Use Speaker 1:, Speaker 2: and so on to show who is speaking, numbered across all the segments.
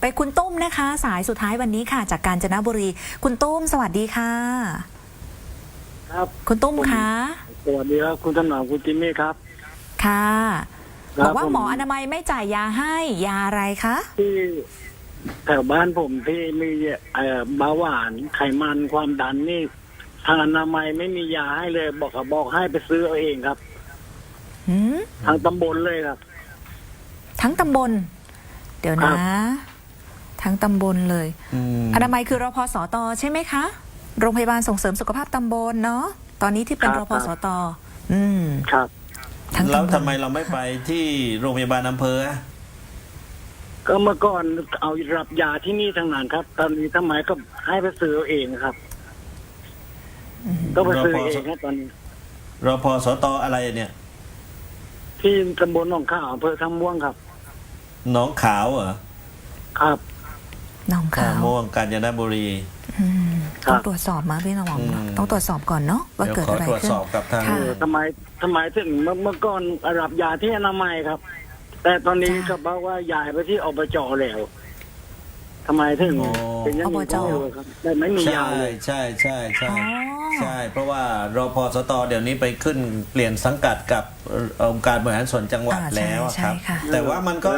Speaker 1: ไปคุณตุ้มนะคะสายสุดท้ายวันนี้ค่ะจากกาญจนบุรีคุณตุ้มสวัสดีค่ะ
Speaker 2: ครับ
Speaker 1: คุณตุ้มคะ
Speaker 2: สวัสดีครับคุณถนอมคุณจิมมี่ครับ
Speaker 1: ค่ะบอกว่าหมออนามัยไม่จ่ายยาให้ยาอะไรคะ
Speaker 2: ที่แถวบ้านผมที่มีเบาหวานไขมันความดันนี่ทางอนามัยไม่มียาให้เลยบอกให้ไปซื้อเอาเองครับทางตำบลเลยครับ
Speaker 1: ทั้งตำบลเดี๋ยวนะทั้งตำบลเลยอนามัยคือรพสตใช่ไหมคะโรงพยาบาลส่งเสริมสุขภาพตำบลเนาะตอนนี้ที่เป็นรพสต
Speaker 2: ครับ
Speaker 3: แล้วทำไมเราไม่ไปที่โรงพยาบาลอำเภอ
Speaker 2: ก็เมื่อก่อนเอารับยาที่นี่ทางนั้นครับตอนนี้ทำไมก็ให้ไปซื้อเอาเองครับก็ไปซื้อเองครับตอนนี้
Speaker 3: รพสตอะไรเนี่ย
Speaker 2: ที่ตำบลหนองขาวอำเภอท่าม่วงครับ
Speaker 3: หนองขาวเหรอ
Speaker 2: ครับ
Speaker 1: หนองขาว
Speaker 3: ม่วงกาญจนบุรี
Speaker 1: ต้องตรวจสอบมาพี่น้องต้องตรวจสอบก่อนเนาะว่าเกิดอะไรขึ้น
Speaker 3: ตรวจสอบกับทาง
Speaker 2: ทำไมถึงเมื่อก่อนรับยาที่อนามัยครับแต่ตอนนี้เขาบอกว่าย้ายไปที่อบจแล้วทำไมถึงเป็นอย่างนี้ครับแต่ไม่มียาเลย
Speaker 3: ใช่เพราะว่ารพสตเดี๋ยวนี้ไปขึ้นเปลี่ยนสังกัดกับองค์การบริหารส่วนจังหวัดแล้วครับแต่ว่ามันก็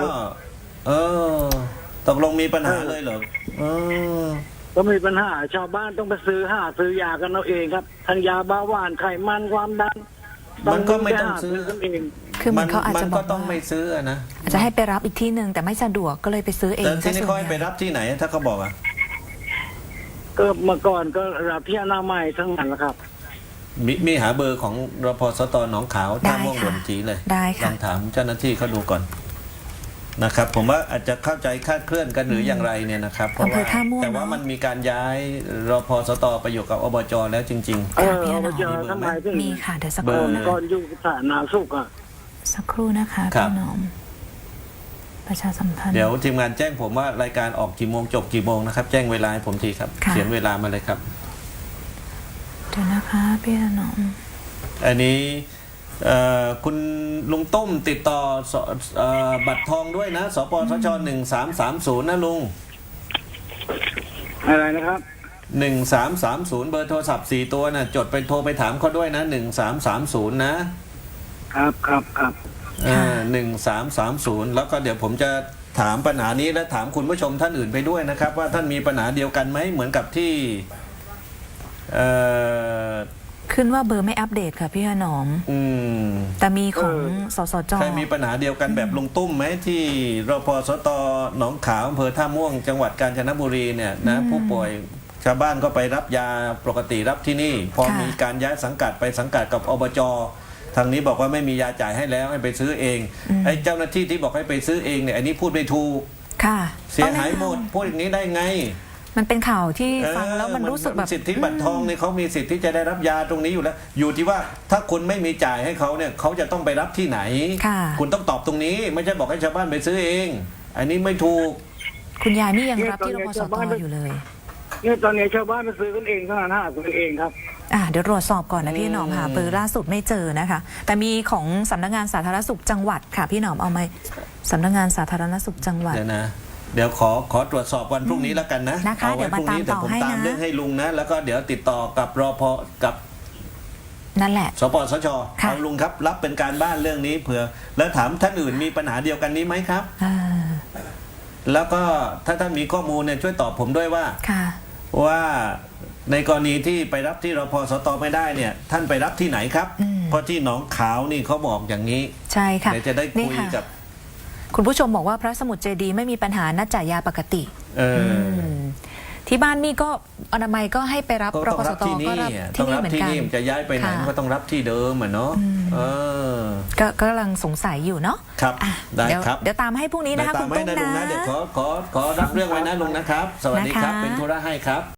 Speaker 3: ตกลงมีปัญหาเลยเหรอ
Speaker 2: ก็มีปัญหาชาวบ้านต้องไปซื้อยากันเอาเองครับทั้งยาเบาหวานไขมันความดัน
Speaker 3: มันก็ไม่ต้องซื้อ
Speaker 2: กันเอง
Speaker 1: คือมันเขาอาจจะบอก
Speaker 3: ต้องไม่ซื้อนะ
Speaker 1: อาจจะให้ไปรับอีกที่หนึ่งแต่ไม่สะดวกก็เลยไปซื้อเอง
Speaker 3: แต่ที่นี่เขาให้ไปรับที่ไหนถ้าเขาบอก
Speaker 2: ก็เมื่อก่อนก็รับที่อนามัยทั้งนั้นแหละครับ
Speaker 3: มีหาเบอร์ของรพสตหนองขาวท่าม่วงหลวงจีเลย
Speaker 1: ได้ค่ะ
Speaker 3: ลองถามเจ้าหน้าที่เขาดูก่อนนะครับผมว่าอาจจะเข้าใจคลาดเคลื่อนกันหรืออย่างไรเนี่ยนะครับเพราะว่าแต่ว่ามันมีการย้ายรพสตไปอยู่กับอบจแล้วจริงๆ
Speaker 2: อบจทำไมถึง
Speaker 1: มีค่ะเดี๋ยวสักครู่
Speaker 2: ก่อนอยู่สาธารณสุข
Speaker 1: สักครู่นะคะพี่น้องประชาสัมพันธ์
Speaker 3: เดี๋ยวทีมงานแจ้งผมว่ารายการออกกี่โมงจบกี่โมงนะครับแจ้งเวลาให้ผมทีครับเขียนเวลามาเลยครับ
Speaker 1: เดี๋ยวนะคะพี่น้อง
Speaker 3: อันนี้คุณลุงต้มติดต่อบัตรทองด้วยนะสปสช1330นะลุง
Speaker 2: อะไรนะครับ
Speaker 3: 1330เบอร์โทรศัพท์4ตัวนะจดไปโทรไปถามเขาด้วยนะ1330นะครับ1330แล้วก็เดี๋ยวผมจะถามปัญหานี้และถามคุณผู้ชมท่านอื่นไปด้วยนะครับว่าท่านมีปัญหาเดียวกันไหมเหมือนกับที่
Speaker 1: ขึ้นว่าเบอร์ไม่อัปเดตค่ะพี่ถนอมแต่มีของสสจ.
Speaker 3: ใครมีปัญหาเดียวกันแบบลุงตุ้มไหมที่รพสตหนองขาวอำเภอท่าม่วงจังหวัดกาญจนบุรีเนี่ยนะผู้ป่วยชาวบ้านก็ไปรับยาปกติรับที่นี่พอมีการย้ายสังกัดไปสังกัดกับอบจ.ทางนี้บอกว่าไม่มียาจ่ายให้แล้วให้ไปซื้อเองไอ้เจ้าหน้าที่ที่บอกให้ไปซื้อเองเนี่ยอันนี้พูดไม่ถูกเสียหายหมดพูดอย่างนี้ได้ไง
Speaker 1: มันเป็นข่าวที่ฟังแล้วมันรู้สึกแบบ
Speaker 3: สิทธิบัตรทองเนี่ยเขามีสิทธิ์ที่จะได้รับยาตรงนี้อยู่แล้วอยู่ที่ว่าถ้าคุณไม่มีจ่ายให้เขาเนี่ยเขาจะต้องไปรับที่ไหนคุณต้องตอบตรงนี้ไม่ใช่บอกให้ชาวบ้านไปซื้อเองอันนี้ไม่ถูก
Speaker 1: คุณยายนี่ยังรับที่รพสตอยู่เลย
Speaker 2: เนี่ยตอนนี้ชาวบ้านไปซื้อกันเองเท่านั้นซื้อเองครับ
Speaker 1: เดี๋ยวตรวจสอบก่อนนะพี่หนอมหาเบอร์ล่าสุดไม่เจอนะคะแต่มีของสำนักงานสาธารณสุขจังหวัดค่ะพี่หนอมเอาไหมสำนักงานสาธารณสุขจังหวัด
Speaker 3: เดี๋ยวขอตรวจสอบวันพรุ่งนี้แล้วกันนะ
Speaker 1: เอาไว้พรุ่งนี้แต่
Speaker 3: ผมตามเรื่องให้ลุงนะแล้วก็เดี๋ยวติดต่อกับรพกับ
Speaker 1: นั่นแหละ
Speaker 3: สปสชเอาลุงครับรับเป็นการบ้านเรื่องนี้เผื่อแล้วถามท่านอื่นมีปัญหาเดียวกันนี้ไหมครับแล้วก็ถ้าท่านมีข้อมูลเนี่ยช่วยตอบผมด้วยว่าในกรณีที่ไปรับที่รพสตไม่ได้เนี่ยท่านไปรับที่ไหนครับเพราะที่หนองขาวนี่เขาบอกอย่างนี้
Speaker 1: ใช่ค่ะ
Speaker 3: เดี๋ยวจะได้คุยกับ
Speaker 1: คุณผู้ชมบอกว่าพระสมุทรเจดีย์ไม่มีปัญหานัดจ่ายยาปกติที่บ้านมี่ก็อนามัยก็ให้ไปรับรพสตก็รับที่นี่เหมือนกัน
Speaker 3: จะย้ายไปไหนก็ต้องรับที่เดิมเนาะ
Speaker 1: ก็กำลังสงสัยอยู่เนาะ
Speaker 3: ครับได้ครับ
Speaker 1: เดี๋ยวตามให้พรุ่งนี้นะคะคุณตุ้มนะ
Speaker 3: เดี๋ยวขอรับเรื่องไว้นะลุงนะครับสวัสดีครับเป็นธุระให้ครับ